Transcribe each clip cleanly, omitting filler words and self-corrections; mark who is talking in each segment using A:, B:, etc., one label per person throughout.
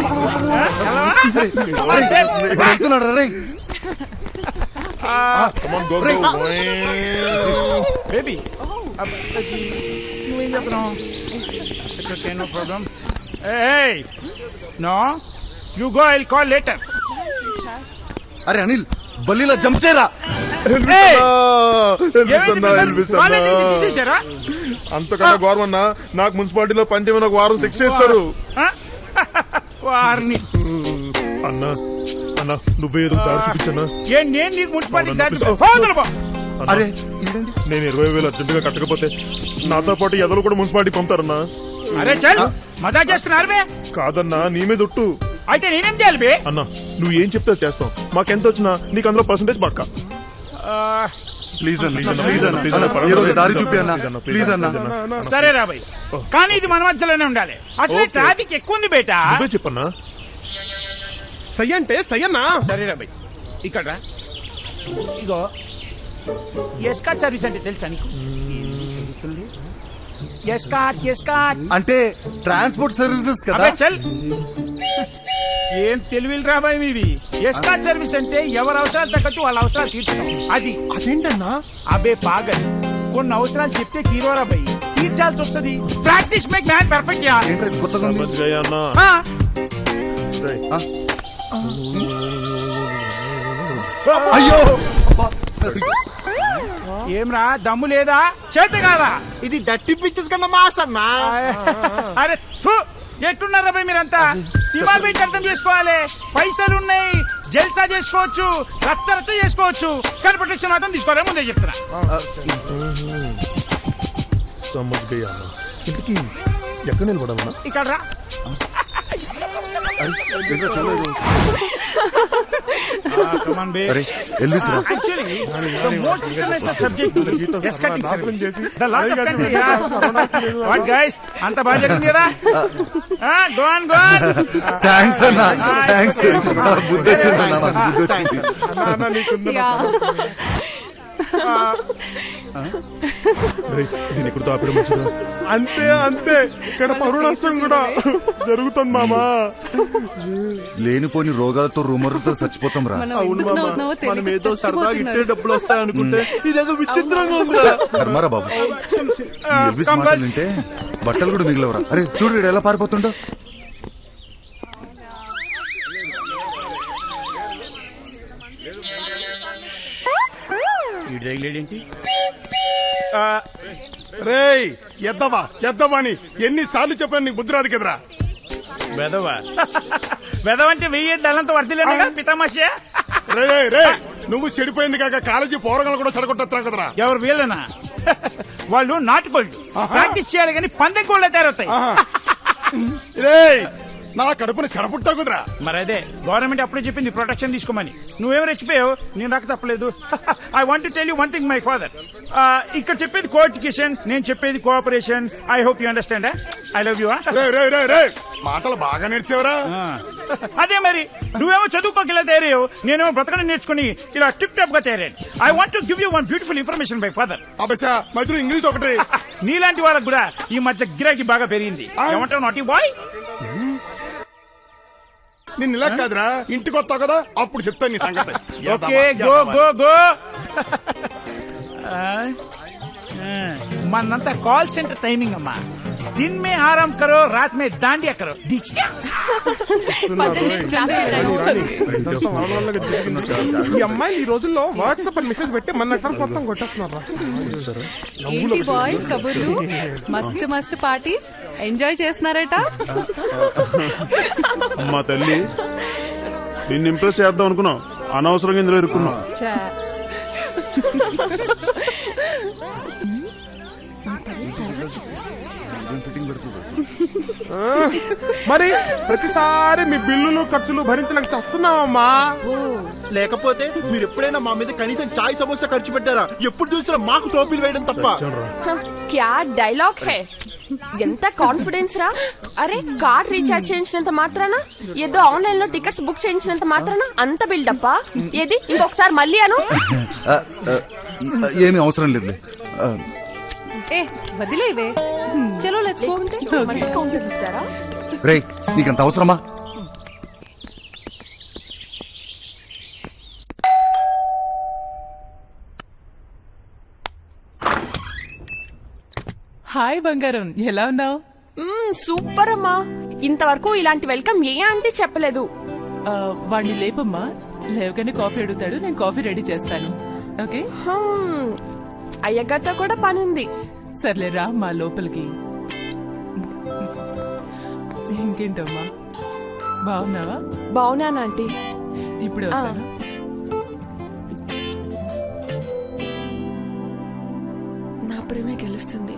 A: Baby నువ్వేం చెప్తున్నావు? No problem. No you go, I will call later.
B: అరే Anil బల్లిలా jump చేయరా.
C: అంతకన్నా గౌరవన్నా నాకు మున్సిపాలిటీలో పంచమైన ఒక వారం శిక్ష చేస్తారు.
A: వారిని
C: అన్నా అన్నా నువ్వేదో దారి చూపించన్నా.
A: నేను నీకు మున్సిపాలిటీ
B: అరే
C: నేను 20,000 అర్జెంట్ గా కట్టకపోతే నాతో పాటు ఎదలు కూడా మున్సిపాలిటీ పంపుతారన్నా.
A: అరే చల్ మజా చేస్తున్నారు బే.
C: కాదన్నా నీ మీద ఒట్టు.
A: అయితే నేనేం చేయాలి బే?
C: అన్నా నువ్వు ఏం చెప్తే చేస్తాం. మాకెంత వచ్చినా నీకు అందులో పర్సెంటేజ్ పక్క. ప్లీజ్
B: దారి చూపి అన్నా, ప్లీజ్ అన్నా.
A: సరే రాబాయ్, కానీ ఇది మన మధ్యలోనే ఉండాలి. అసలు ట్రాఫిక్ ఎక్కువ ఉంది బేటా.
C: నువ్వే చెప్పన్నా.
D: సై అంటే సై అన్నా.
A: సరే రాబాయ్, ఇక్కడ ఇగో ఎస్కాట్ సర్వీస్ అంటే తెలుసా నీకు? ఎస్కాట్
B: అంటే ట్రాన్స్పోర్ట్ సర్వీసెస్ కదా.
A: చల్ ఏం తెలివిలు రాబాయ్ మీవి. ఎస్కాట్ సర్వీస్ అంటే ఎవరి అవసరాలు తగ్గట్టు వాళ్ళ అవసరాలు తీర్చడం.
D: అదేంటన్నా?
A: అబే పాగల్, కొన్ని అవసరాలు చెప్తే హీరోరా బై తీర్చాల్సి వస్తుంది. Practice make man perfect yeah.
B: అయ్యో
A: ఏమ్రా దమ్ము లేదా? చేత కాదా?
D: ఇది డట్టి పిక్చర్స్ కన్నా మాస్ అన్నా.
A: అరే ఎట్టున్నారా బై మీరంతా? సినిమా పెట్టి అర్థం చేసుకోవాలి. పైసలు ఉన్నాయి, జల్సా చేసుకోవచ్చు, రచ్చ చేసుకోవచ్చు, కానీ ప్రొటెక్షన్ మాత్రం తీసుకోవాలి. ముందే చెప్తున్నా.
C: ఇంటికి ఎక్కడ నిలబడమన్నా?
A: ఇక్కడ రా. Actually, the most international subject is escorting service. The lot of country, yeah. What guys? Anta baga jarindi kada? Go on.
B: Thanks అన్నా, థ్యాంక్స్. బుద్ధి వచ్చిందన్నా, బుద్ధి వచ్చింది.
C: దీని ఇప్పుడు తాపడం వచ్చిందా? అంతే అంతే, ఇక్కడ పరువు నష్టం కూడా జరుగుతుంది మామా.
B: లేనిపోని రోగాలతో రూమర్లతో చచ్చిపోతాం రా.
D: మనం ఏదో సరదాగా ఇట్టే డబ్బులు వస్తాయనుకుంటే ఇదేదో విచిత్రంగా ఉంది.
B: కర్మారా బాబు, ఎవ్విస్ మాటలు వింటే బట్టలు కూడా మిగిలవరా. అరే చూడు వీడు ఎలా పారిపోతుండో.
A: ఏంటి
C: రేయ్ ఎద్దవా అని ఎన్నిసార్లు చెప్పాను నీకు బుద్ధి రాదు కదరా.
A: వెదవంటే వెయ్యి దళంతో వర్దిలేను పితామాషే.
C: రే నువ్వు చెడిపోయింది కాక కాలేజీ పోరగాలు కూడా చెడగొట్టా కదరా.
A: ఎవరు వీళ్ళనా? వాళ్ళు నాటుకోళ్ళు, ప్రాక్టీస్ చేయాలి కానీ పందెం కోళ్ళ తయారవుతాయి.
C: నా కడుపుని చెడపుట్టా కుదరా.
A: మరి అదే గవర్నమెంట్ అప్పుడే చెప్పింది ప్రొటెక్షన్ తీసుకోమని. నువ్వేమో రెచ్చిపోయావు, నేను నాకు తప్పలేదు. I want to tell you one thing my father. ఇక్కడ చెప్పేది కోఎడ్యుకేషన్, నేను చెప్పేది cooperation. I hope you understand. I love you.
C: మాటలు బాగా నేర్చేవరా.
A: అదే మరి నువ్వేమో చదువుకోకి ఇలా తయారయ్యావు, నేనేమో బ్రతకడం నేర్చుకుని ఇలా టిప్ టాప్ గా తయారయ్యాను. I want to give you one beautiful information my father.
C: మధ్యలో ఇంగ్లీష్ ఒకటి.
A: నీలాంటి వాళ్ళకు కూడా ఈ మధ్య గిరాకీ బాగా పెరిగింది. ఏమంటావు నాటి బాయ్?
C: నిన్ను ఇలా కాదురా, ఇంటికి వస్తావు కదా అప్పుడు చెప్తాను నీ సంగతి.
A: Okay go go go. మనంతా కాల్ సెంటర్ టైమింగ్ అమ్మా. दिन में आराम करो, रात में दांडिया करो.
D: ఈ అమ్మాయిలు ఈ రోజుల్లో వాట్సాప్ అని మెసేజ్ పెట్టి మన నెట్వర్క్ మొత్తం కొట్టేస్తున్నారు.
E: బాయ్స్ కబుర్లు, మస్తు మస్తు పార్టీస్ ఎంజాయ్ చేస్తున్నారట.
C: మా తల్లి నిన్ను ఇంప్రెస్ చేద్దాం అనుకున్నాం, అనవసరంగా ఇందులో ఇరుక్కున్నాం.
D: మరి ప్రతిసారి మీ బిల్లులు ఖర్చులు భరించలేక చస్తున్నావమ్మా. లేకపోతే మీరు ఎప్పుడైనా మా మీద కనీసం చాయ్ సమోసా ఖర్చు పెట్టారా? ఎప్పుడు చూసినా మాకు టోపీలు వేయడం తప్ప.
F: క్యా డైలాగ్ హే, ఎంత కాన్ఫిడెన్స్ రా. అరే కార్డ్ రీఛార్జ్ చేయించినంత మాత్రాన, ఏదో ఆన్లైన్ లో టికెట్స్ బుక్ చేయించినంత మాత్రాన అంత బిల్డప్పా? ఏది ఇంకొకసారి మళ్ళీ అను.
B: ఏమీ అవసరం లేదు.
E: వదిలేవే, చలో లెట్స్ గో.
B: రేయ్ నీకంత అవసరమా?
G: హాయ్ బంగారం, ఎలా ఉన్నావు?
F: సూపర్ అమ్మా. ఇంతవరకు ఇలాంటి వెల్కమ్ ఏ ఆంటీ చెప్పలేదు.
G: వాడిని లేపమ్మా. లేవగానే కాఫీ అడుగుతాడు, నేను కాఫీ రెడీ చేస్తాను. ఓకే
F: అయ్యగారితో కూడా పని ఉంది.
G: సర్లే రా మా లోపలికి. ఇంకేంటమ్మా, బాగున్నావా?
F: బాగున్నాను ఆంటీ.
G: ఇప్పుడు వస్తాను.
F: నా ప్రేమే గెలుస్తుంది.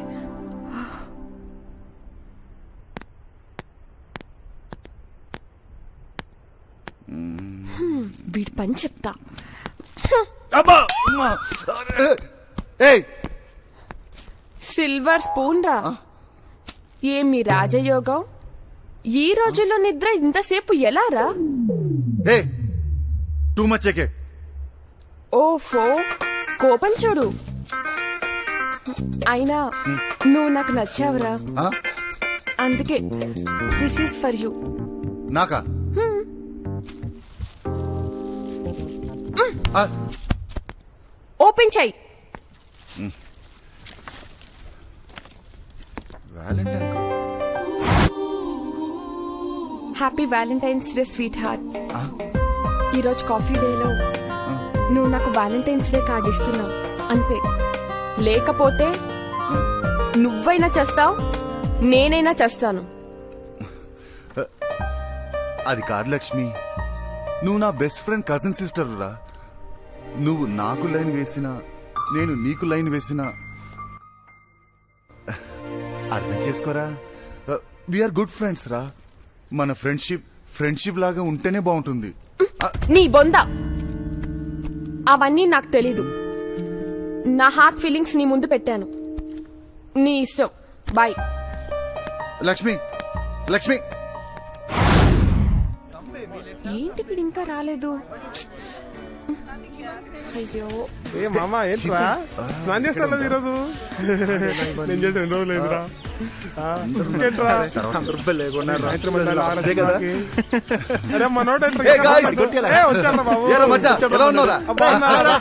F: వీడి పని చెప్తా.
B: అబ్బా! అమ్మా! ఏయ్!
F: సిల్వర్ స్పూన్ రా. ఏమి రాజయోగం. ఈ రోజుల్లో నిద్ర ఇంతసేపు ఎలా రా?
B: ఏయ్! Too much AK.
F: ఓఫో, కోపం చూడు. అయినా నువ్వు నాకు నచ్చావురా,
B: ఆ?
F: అందుకే దిస్ ఈస్ ఫర్ యూ.
B: నాకా? ఆ,
F: ఓపెన్ చెయ్యి.
B: వ్యాలంటైన్ కా?
F: Happy valentine's day sweet heart. ఈరోజు కాఫీ డేలో నువ్వు నాకు వ్యాలంటైన్స్ డే కార్డు ఇస్తున్నావు అంతే. లేకపోతే నువ్వైనా చేస్తావు, నేనైనా చేస్తాను.
B: అది కాదు లక్ష్మి, నువ్వు నా బెస్ట్ ఫ్రెండ్ కజిన్ సిస్టర్ రా. నువ్వు నాకు లైన్ వేసినా నేను నీకు లైన్ వేసినా అర్థం చేసుకోరా. వీఆర్ గుడ్ ఫ్రెండ్స్ రా. మన ఫ్రెండ్షిప్ లాగా ఉంటేనే బాగుంటుంది.
F: నీ బొంద అవన్నీ నాకు తెలీదు. నా హార్ట్ ఫీలింగ్స్ నీ ముందు పెట్టాను. నీ ఇష్టం. బాయ్.
B: లక్ష్మి లక్ష్మి
F: ఏంటి వీడు ఇంకా రాలేదు? అయ్యో,
C: ఏ మామా ఏంట్రా స్నానం చేస్తాను ఈరోజు. నేను చేసి 2 రోజులు అయిందిరా. ఇంకేంట్రా? సాయంత్రం మళ్ళీ ఆరతి మాకి. అరే మనోడు ఏంట్రా?
B: Hey guys.
C: ఏ, వచ్చాడ్రా బాబు.
B: ఏరా మచ్చా, ఎలా ఉన్నావురా?
C: అబ్బా, ఉన్నారా?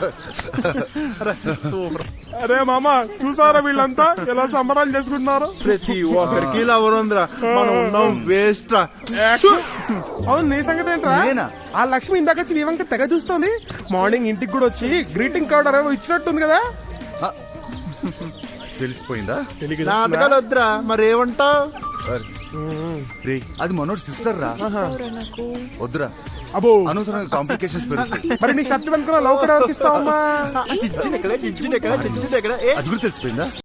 C: అరే మామ, చూసారా వీళ్ళంతా ఎలా సంబరాలు చేసుకుంటున్నారు?
D: ప్రతి ఒక్కరికి ఇలా ఎవరుందిరా, మనం ఉన్నాం వేస్ట్ రా.
C: అవును, నీ సంగతి ఏంట్రా?
B: నేనా?
C: ఆ లక్ష్మి ఇందాక వచ్చి నీ వంక తెగ చూస్తుంది. మార్నింగ్ ఇంటికి కూడా వచ్చి గ్రీటింగ్ కార్డ్ అరేవో ఇచ్చినట్టుంది కదా.
B: తెలిసిపోయిందా?
D: నాటకాలు వద్దురా, మరి ఏమంటావు?
B: రే, అది మనోడు సిస్టర్ రా. వద్దురా,
C: అబ్బో,
B: అనవసరంగా కాంప్లికేషన్స్ పెరుగుతాయి.
C: మరి నీ షర్ట్ వెనుక లవ్ కూడా ఇస్తావమ్మా.
D: చిచ్చిన ఎక్కడ, చిచ్చిన ఎక్కడ, చిచ్చిన ఎక్కడ? ఏ
B: అది కూడా తెలిసిపోయిందా?